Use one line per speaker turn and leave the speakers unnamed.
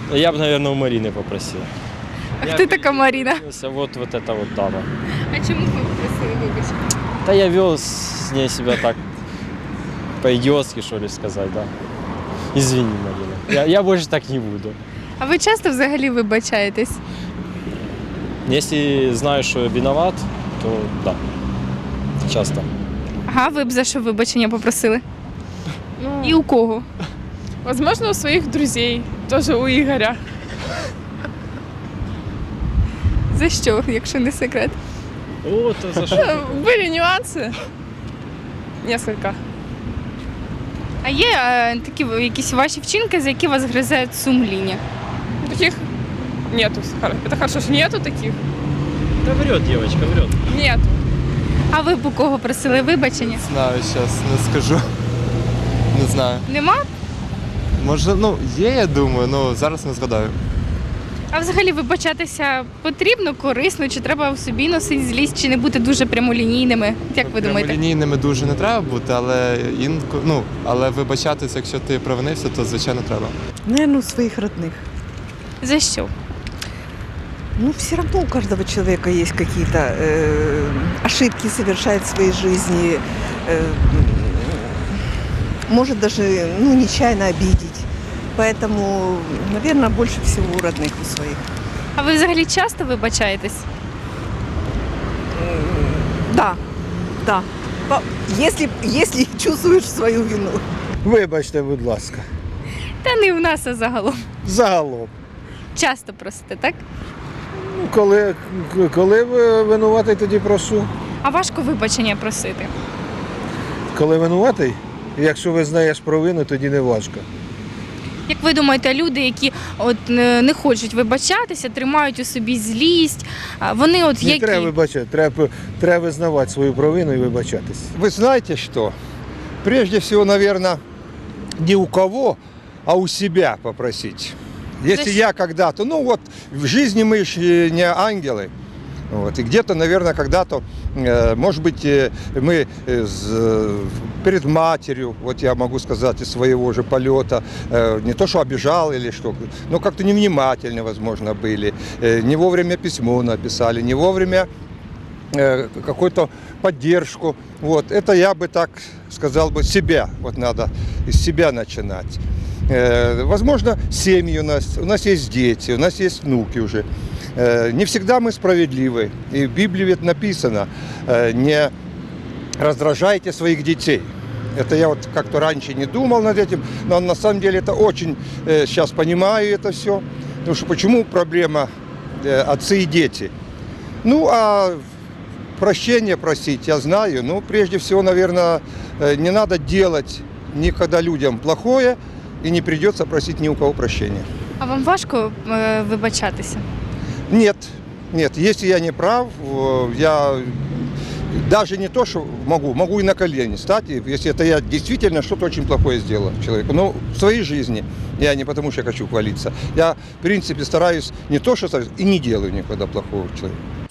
Я бы, наверное, у Марины попросил.
А хто така Маріна?
Вот эта вот дама.
А чому ви попросили вибачення?
Да я вел с ней себя так по-идиотски, что ли, сказать, да. Извини, Марина. Я больше так не буду.
А ви часто взагалі вибачаєтесь?
Если знаю, что я виноват, то да. Часто.
Ага, ви б за що вибачення попросили?
Ну,
І у кого?
возможно, у своих друзей, тоже у Игоря.
За що, якщо не секрет?
Вот, за что?
Были нюансы. Несколько.
А є такі якісь ваші вчинки, за які вас гризе сумління?
Таких нету. Это хорошо, что нету таких.
Да врет девочка, врет.
Нету.
А ви б у кого просили вибачення?
Знаю, зараз не скажу. Не знаю.
Нема?
Може, є, я думаю, але зараз не згадаю.
А взагалі вибачатися потрібно, корисно, чи треба в собі носити злість, чи не бути дуже прямолінійними? Як ви думаєте?
Прямолінійними дуже не треба бути, але але вибачатися, якщо ти провинився, то звичайно треба.
Наверное, у своих родных.
За що?
Ну, все равно у каждого человека есть какие-то ошибки, совершает в своей жизни. Может даже нечаянно обидеть. Поэтому, наверное, больше всего у родных у своих.
А ви взагалі часто вибачаєтесь?
Да, да. Если чувствуешь свою вину.
Вибачте, будь ласка.
Та не в нас, а загалом.
Загалом.
Часто просите, так?
Коли ви винуватий, тоді прошу.
А важко вибачення просити?
Коли винуватий, якщо визнаєш провину, тоді не важко.
Як ви думаєте, люди, які не хочуть вибачатися, тримають у собі злість, вони
Не
які?
треба вибачати, треба визнавати свою провину і вибачатись.
Вы знаете что? Прежде всего, наверное, не у кого, а у себя попросить. Если
Зачем?
я когда-то, в жизни мы же не ангелы. Вот, и где-то, наверное, когда-то, может быть, мы перед матерью, вот я могу сказать, из своего же полета, не то, что обижал или что, но как-то невнимательны, возможно, были, не вовремя письмо написали, не вовремя какую-то поддержку. Вот, это я бы так сказал бы себя, вот надо из себя начинать. Возможно, семьи у нас есть дети, у нас есть внуки уже. Не всегда мы справедливы. И в Библии ведь написано, не раздражайте своих детей. Это я вот как-то раньше не думал над этим, но на самом деле это очень, сейчас понимаю это все. Потому что почему проблема отцы и дети? Ну, а прощения просить, я знаю, но прежде всего, наверное, не надо делать никогда людям плохое, и не придется просить ни у кого прощения.
А вам важко вибачатися?
Нет, если я не прав, я даже не то, что могу и на колени стать, если это я действительно что-то очень плохое сделал человеку. Но в своей жизни, я не потому что я хочу хвалиться, я в принципе стараюсь не то, что и не делаю никогда плохого человеку.